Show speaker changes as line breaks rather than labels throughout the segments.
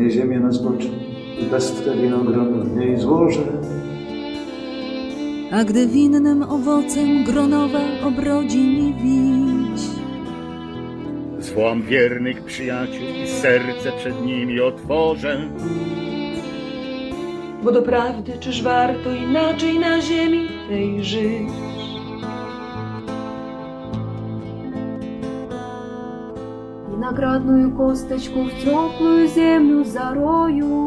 nie ziemię na zboczu i pestkę winogronu w niej złożę.
A gdy winnym owocem gronowe obrodzi mi wić,
zwołam wiernych przyjaciół i serce przed nimi otworzę.
Bo doprawdy czyż warto inaczej na ziemi tej żyć?
Виноградную косточку в теплую землю зарою,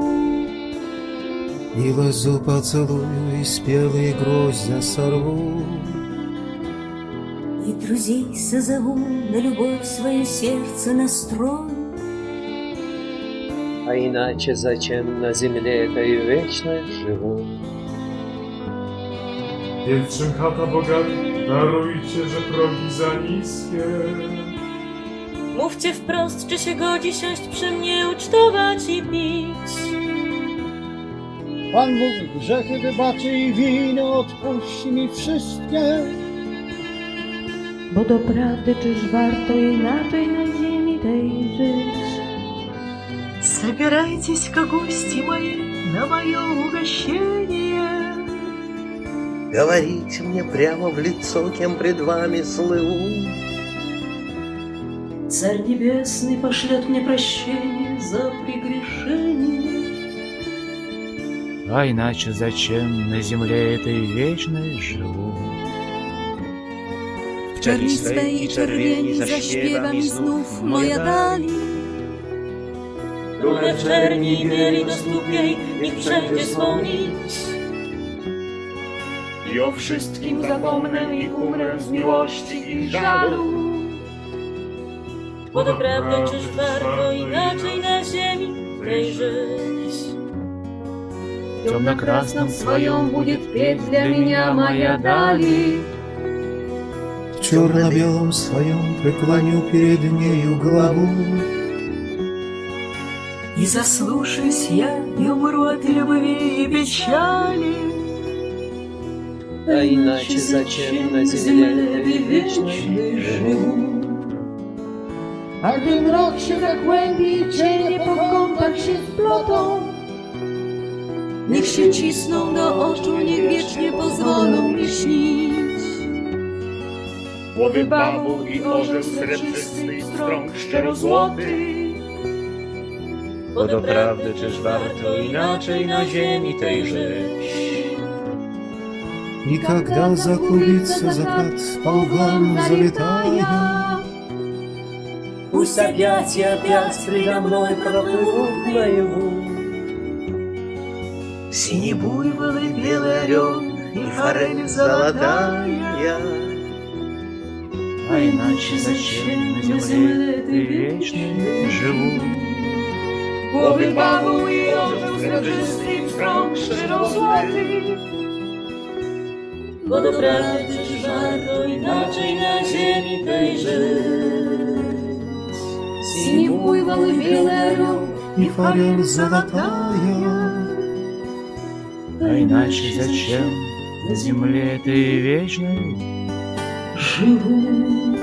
И лозу поцелую, и спелые гроздья сорву.
И друзей созову, на любовь свое сердце настрою.
А иначе зачем на земле этой вечно живу?
Pielczym chata bogaty, darujcie, że progi za niskie.
Mówcie wprost, czy się godzi siąść przy mnie, ucztować i pić.
Pan Bóg grzechy wybaczy i winy odpuści mi wszystkie.
bo doprawdy czyż warto inaczej na ziemi tej żyć?
Собирайтесь-ка, гости мои, на мое угощение.
Говорите мне прямо в лицо, кем пред вами слыву.
Царь Небесный пошлет мне прощение за прегрешение.
А иначе зачем на земле этой вечной живу?
w czerni swej i czerwieni zaśpiewa mi znów moja dali.
Dumę w czerni i bieli do stóp jej, niech wszędzie swą nić.
I o wszystkim zapomnę i umrę z miłości i żalu.
Bo doprawdy czyż warto inaczej na ziemi tej żyć?
Темно-красном своем будет петь для меня моя дали.
В черно-белом своем преклоню перед нею голову.
И заслушаюсь я, и умру от любви и печали.
А иначе зачем на земле этой вечной живу?
A gdy mrok się zagłębi i cienie po kątach się splotą,
Niech się cisną do oczu, niech wiecznie pozwolą mi śnić.
Głowy bawu i orzeł srebrzysty i strąg szczerozłoty.
Bo doprawdy czyż warto inaczej na ziemi tej żyć?
И когда заклубится закат, по углам залетая,
Пусть опять и опять предо мной проплывут наяву.
Синий буйвол и белый орел, и форель золотая.
А иначе зачем на земле этой вечной живу?
Głowy bawu i orzeł srebrzysty i strąg szczerozłoty.
Bo doprawdy czyż warto inaczej na ziemi tej żyć?
синий буйвол и белый орел,
и форель золотая.
А иначе зачем на земле этой вечной
Живу.